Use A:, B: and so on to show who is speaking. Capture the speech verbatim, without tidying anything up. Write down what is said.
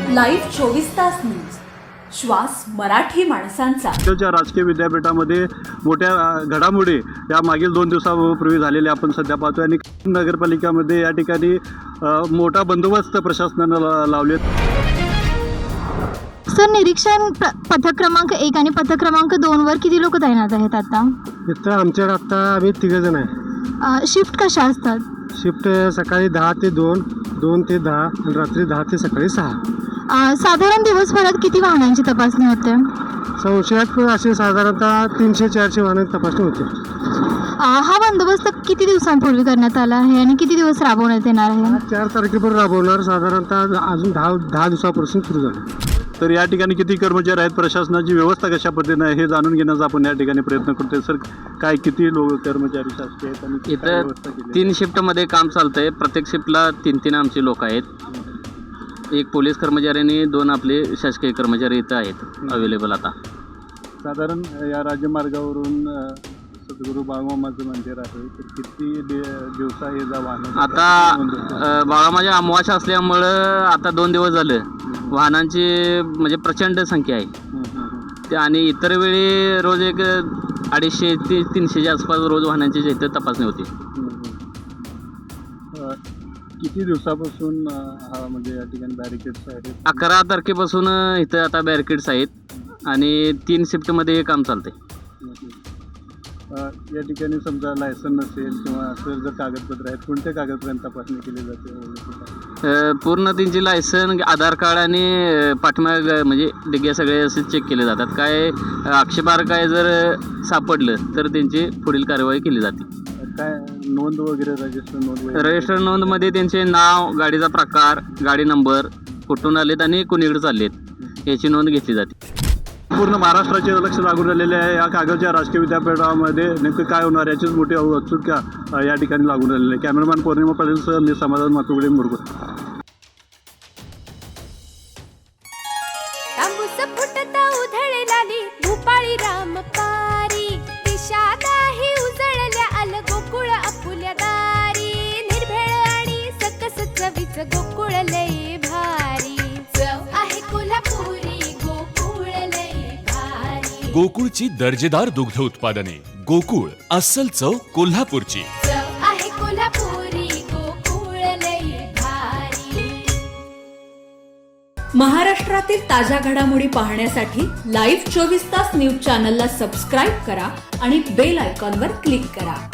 A: Live चोवीस तास news, श्वास मराठी माणसांचा.
B: राज्याच्या राजकीय विद्यापीठामध्ये मोठ्या अ, घडामोडी या मागील दोन दिवसापूर्वी झालेल्या आपण सध्या पाहतोय आणि नगरपालिकामध्ये या ठिकाणी अ, मोठा बंदोबस्त प्रशासनानं ला लावले.
C: सर, निरीक्षण प्र- पथक क्रमांक एक आणि पथक क्रमांक दोन वर किती लोक तैनात आहेत आता?
D: इथं आमच्याकडे आता आम्ही तिघंजण आहे.
C: अ, शिफ्ट कशा असतात?
D: शिफ्ट सकाळी दहा ते दोन, दोन ते दहा आणि रात्री दहा ते सकाळी सहा.
C: अ, साधारण दिवसभरात किती वाहनांची तपासणी होते?
D: संशयात असे साधारणतः तीनशे चारशे वाहनांची तपासणी होते.
C: अ, हा बंदोबस्त किती दिवसांपूर्वी करण्यात आला आहे आणि किती दिवस राबवण्यात येणार आहे?
D: आज चार तारखेपर्यंत राबवणार, साधारणतः अजून दहा दहा दिवसापासून सुरू झालं.
B: तर या ठिकाणी किती कर्मचारी आहेत, प्रशासनाची व्यवस्था कशा पद्धतीने आहे हे जाणून घेण्याचा आपण या ठिकाणी प्रयत्न करतोय. सर, काय किती लोक कर्मचारी शासकीय आहेत आणि काय
E: इथं
B: व्यवस्था केली आहे?
E: तीन शिफ्टमध्ये काम चालतंय. प्रत्येक शिफ्टला तीन तीन आमचे लोक आहेत. एक पोलीस कर्मचारी आणि दोन आपले शासकीय कर्मचारी इथं आहेत अवेलेबल आता.
B: साधारण या राज्यमार्गावरून अ, सद्गुरू बाळमामाचं मंदिर आहे, तर किती दि- दिवसा हे जा वाहन
E: आता अ, बाळामाच्या अमावास्या असल्यामुळं आता दोन दिवस झालं वाहनांची म्हणजे प्रचंड संख्या आहे ते. आणि इतर वेळी रोज एक अडीचशे ते तीनशेच्या आसपास रोज वाहनांची जे इथं तपासणी होती.
B: किती दिवसापासून अ, हा म्हणजे या ठिकाणी बॅरिकेड्स आहेत?
E: अकरा तारखेपासून इथं आता बॅरिकेड्स आहेत आणि तीन शिफ्टमध्ये हे काम चालतंय.
B: अ, या ठिकाणी समजा लायसन नसेल किंवा असं जर कागदपत्र आहेत, कोणत्या कागदपत्रांची तपासणी केली जाते?
E: अ, पूर्ण त्यांची लायसन, आधार कार्ड आणि अ, पाठीमाग म्हणजे डिग्या सगळे असे चेक केले जातात. काय अ, आक्षेपार्ह काय जर सापडलं तर त्यांची पुढील कार्यवाही केली जाते.
B: काय नोंद वगैरे रजिस्टर नोंद वगैरे?
E: रजिस्टर नोंदमध्ये त्यांचे नाव, गाडीचा प्रकार, गाडी नंबर, कुठून आलेत आणि कुणीकडे चाललेत याची नोंद घेतली जाते.
B: पूर्ण महाराष्ट्राचे लक्ष लागून राहिलेले आहे. या कागलच्या राजकीय विद्यापीठामध्ये नेमकं काय होणार याचीच मोठी उत्सुकता अ, या ठिकाणी लागून राहिलेली आहे. कॅमेरामॅन पौर्णिमा पाटीलसह मी समाधान मातुगडे मुरगुड.
F: तांबूस फुटता उधळलाली भूपाळी रामपारी, दिशा नाही उजळल्या आल गोकुळ आपुल्या दारी. निर्भेळ आणि सकस चवीच गोकुळ लय भारी, चव आहे कोल्हापुरी गोकुळ लय भारी.
G: गोकुळची दर्जेदार दुग्ध उत्पादने. गोकुळ, अस्सल चव कोल्हापूरची.
F: चव आहे कोल्हापुरी गोकुळ लय भारी.
A: महाराष्ट्रातील ताज्या घडामोडी पाहण्यासाठी लाईव्ह चोवीस तास न्यूज चॅनलला सबस्क्राईब करा आणि बेल आयकॉनवर क्लिक करा.